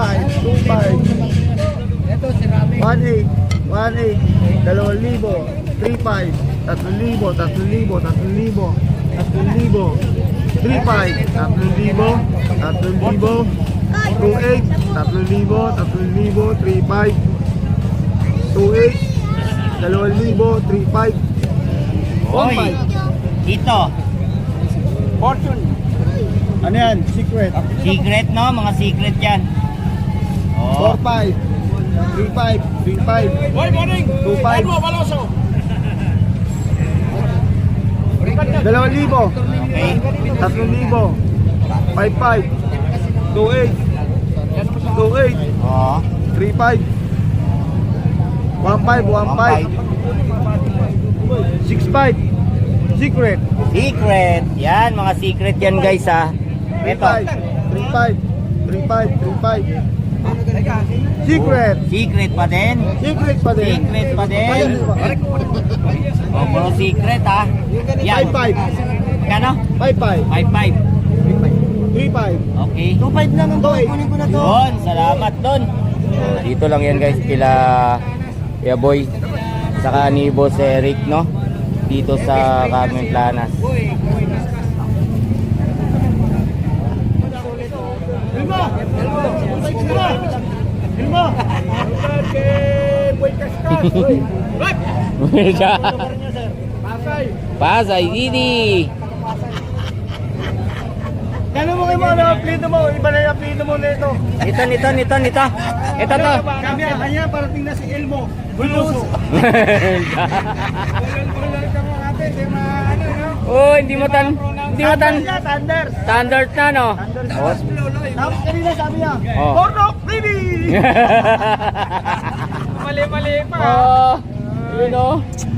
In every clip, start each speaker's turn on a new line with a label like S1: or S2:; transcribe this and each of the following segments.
S1: Ito, si Rami.
S2: 1.8, 2,000, 3,500, 3,000, 3,500, 2,8, 3,500, 2,8, 2,000, 3,500,
S3: Hoy,
S2: 1,500.
S3: dito.
S1: Fortune.
S2: Ano yan? Secret.
S3: Secret, no? Mga secret yan. Oh.
S2: 4,500, 3,500, 3,500,
S1: Boy, morning.
S2: 2,500,
S1: Edmo Baloso.
S2: 2,000,
S3: Okay.
S2: 3,000, 5,500, 2,800, 2,800,
S3: Oh.
S2: 3,500, 1,500, 6,500. Secret.
S3: Secret. Yan, mga secret yan guys ha. Ito.
S2: 3,500, 3,500, 3,500. Secret.
S3: Secret pa din.
S2: Secret pa din.
S3: Secret pa din. Oh, puro secret ha. Yan.
S2: 5,500,
S3: Kano?
S2: 5,500,
S3: 5-5.
S2: 3,500.
S3: Okay.
S2: 2,500 lang ang boy. Kunin ko na to.
S3: Don, salamat Don. Dito lang yan guys kila Boy. Saka ni Boss Eric, no? Dito sa Carmen Planas.
S2: Ilmo! Kay Boy Kaskas! Pasay!
S3: Pasay, Didi.
S2: Gano'n mo kayo mo, ano apelido mo? Iba na yung apelido mo nito.
S3: Ito. Ito to.
S2: Kami, kanya parating na si Elmo. Buluso. Bulan ka mo ate, di ma ano, no?
S3: Oh, hindi mo tan.
S2: Thunders.
S3: Standard na, no? Oh.
S2: Tapos kanina sabi niya,
S3: Oh.
S2: Bornok Baby! Mali pa.
S3: Oh, yun oh.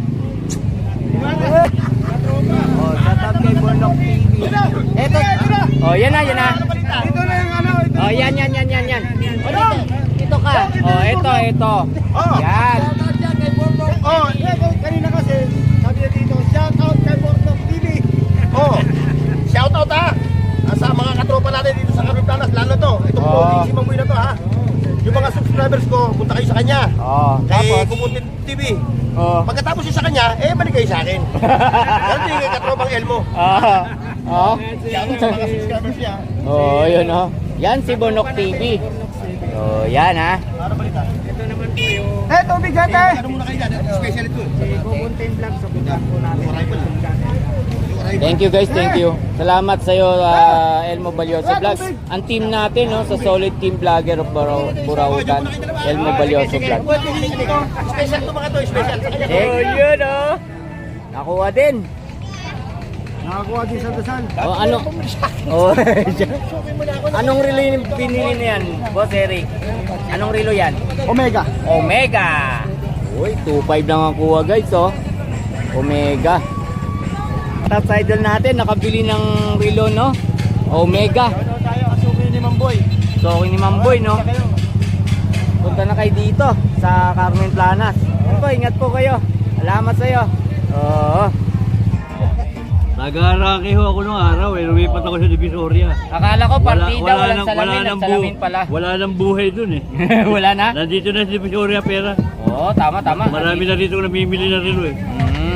S3: Oh, shout out kay Bornok TV. Ito. Oh, yan na.
S2: Ito na yung ano, ito.
S3: Oh, yan. Oh, ito ka. Oh, ito.
S2: Oh.
S3: Yan.
S2: Oh, kanina kasi, sabi niya dito, shout out kay Bornok TV. Oh, shout out ha. Sa mga katropa natin dito sa Carmen-Planas, lalo to. Itong
S3: Oh.
S2: si Mamoy na to ha. Yung mga subscribers ko, punta kayo sa kanya.
S3: Oh,
S2: Kay
S3: tapos.
S2: Kumuntin TV.
S3: Oh.
S2: Pagkatapos yun sa kanya, balik kayo sa akin. Ganun din kay katropang Elmo.
S3: Oh.
S2: Shout out sa mga subscribers niya.
S3: Oh, yun oh. Yan si Bornok TV. Oh, yan ha.
S2: Ano balita?
S1: Tubig ate!
S2: Ano muna kayo dyan? Special ito.
S1: Kukuntin vlog sa budak po natin.
S3: Thank you guys, thank you. Salamat sa iyo Elmo Balyoso Vlogs. Ang team natin no sa Solid Team Vlogger of Burautan, Elmo Balyoso Vlogs.
S2: Special to mga to, special.
S3: Oh, yun oh. Nakuha din.
S1: Nakakuha din sa dasal.
S3: Oh, ano? Oh. Anong relo yung binili na yan, Boss Eric? Anong relo yan?
S1: Omega.
S3: Omega. Uy, 2.5 lang ang kuha guys oh. Omega. Top idol natin nakabili ng relo no. Omega.
S2: Tayo kasukin ni Mamboy.
S3: So ni Mamboy no. Punta na kayo dito sa Carmen-Planas. Po, ingat po kayo. Salamat sa iyo. Oo.
S4: Nag-aaraki ho ako nung araw lumipat ako sa Divisoria.
S3: Akala ko partida walang
S4: nang-
S3: salamin,
S4: nang
S3: at salamin pala.
S4: Wala nang buhay dun eh.
S3: Wala na?
S4: Nandito na sa Divisoria pera.
S3: Oo, tama.
S4: Marami na dito namimili na relo eh.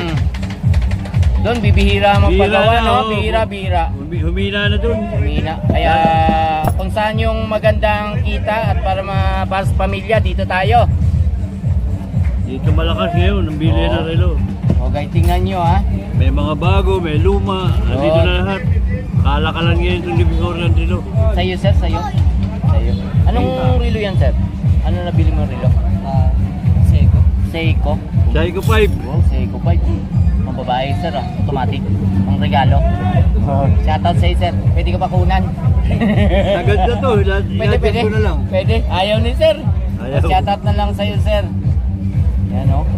S3: Doon bibihira ang
S4: Bihira
S3: magpagawa
S4: na,
S3: no,
S4: oo.
S3: bihira.
S4: Humina na dun.
S3: Humina. Kaya kung saan yung magandang kita at para sa pamilya dito tayo.
S4: Dito malakas ngayon, ang bili
S3: Oo.
S4: na relo.
S3: Okay, tingnan nyo ha.
S4: May mga bago, may luma, nandito
S3: Oo.
S4: na lahat. Kalakalan ngayon itong Divisoria ng relo.
S3: Sa'yo sir, sa'yo. Anong relo yan sir? Ano nabili mo relo? Seiko. Seiko?
S4: Psycho 5.
S3: Wow, Seiko 5. Mga babae sir ah, automatic. Ang regalo. Shoutout sa'yo sir. Pwede ka pa kunan.
S4: Agad na to,
S3: Pwede.
S4: ko na lang.
S3: Pwede. Ayaw ni sir.
S4: Ayaw.
S3: Shoutout na lang sa'yo sir. Yan o.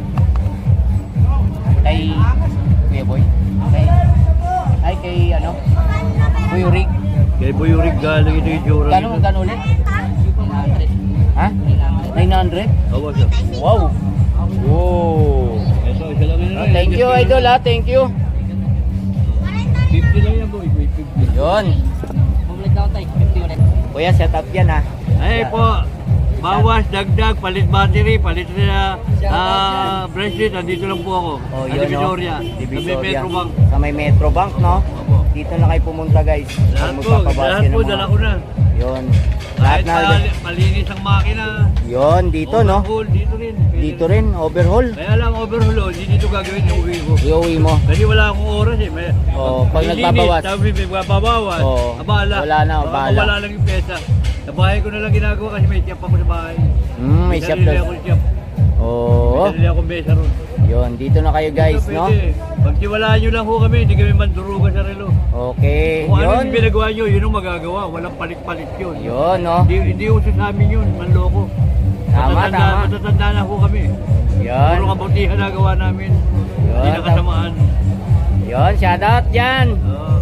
S3: Kay Kuya Boy. Kay ano? Kuya Rick.
S4: Kay Boy Uric galing ito yung jura.
S3: Gano'n ulit? Ha? 900?
S4: Awas ah.
S3: Wow. Wow.
S4: Ito, isa lang yun.
S3: Thank you idol ha. Thank you.
S4: 50 lang yan boy, 50.
S3: Yun. Kuya, set up yan ha.
S4: Ay po, bawas, dagdag, palit battery, palit na bracelet, andito lang po ako.
S3: Oh,
S4: Sa
S3: yun
S4: Divisoria.
S3: no.
S4: Sa may Metrobank.
S3: Sa may Metrobank no.
S4: Opo.
S3: Dito na kayo pumunta guys.
S4: Lahat
S3: Kung
S4: po,
S3: magpapabasket
S4: lahat
S3: ng
S4: po,
S3: mga-
S4: dala ko na.
S3: Yun. Lahat
S4: Kahit
S3: na.
S4: palinis ang makina.
S3: Yun, dito no.
S4: Overhaul, dito rin. Pwede
S3: Dito rin, overhaul.
S4: Kaya lang overhaul, hindi dito gagawin yung uwi ko.
S3: Iuwi mo.
S4: Kasi wala akong oras eh. May,
S3: Oo, pag
S4: may
S3: nagbabawas.
S4: limit, Sabi may magbabawas.
S3: Oo.
S4: Abala.
S3: Wala na,
S4: Baka
S3: abala.
S4: Wala lang yung pesa. Sa bahay ko na lang ginagawa kasi may tiyap ako sa bahay.
S3: May shop
S4: sarili
S3: daw.
S4: ako tiyap.
S3: Oo.
S4: May sarili akong mesa ron.
S3: Yun, dito na kayo guys,
S4: Pwede.
S3: no?
S4: Pagtiwalaan nyo lang ho kami, hindi kami mandurugan sa relo.
S3: Okay,
S4: Kung ano
S3: yun.
S4: yung pinagawa nyo, yun ang magagawa. Walang palit-palit yun.
S3: Yun, no?
S4: Hindi uso sa amin yun, manloko.
S3: Tama, tama.
S4: Matatanda na ho kami.
S3: Yun.
S4: Puro kabutihan na gawa namin. Hindi
S3: Yun,
S4: na kasamaan.
S3: Yun, shoutout dyan.
S4: Oo.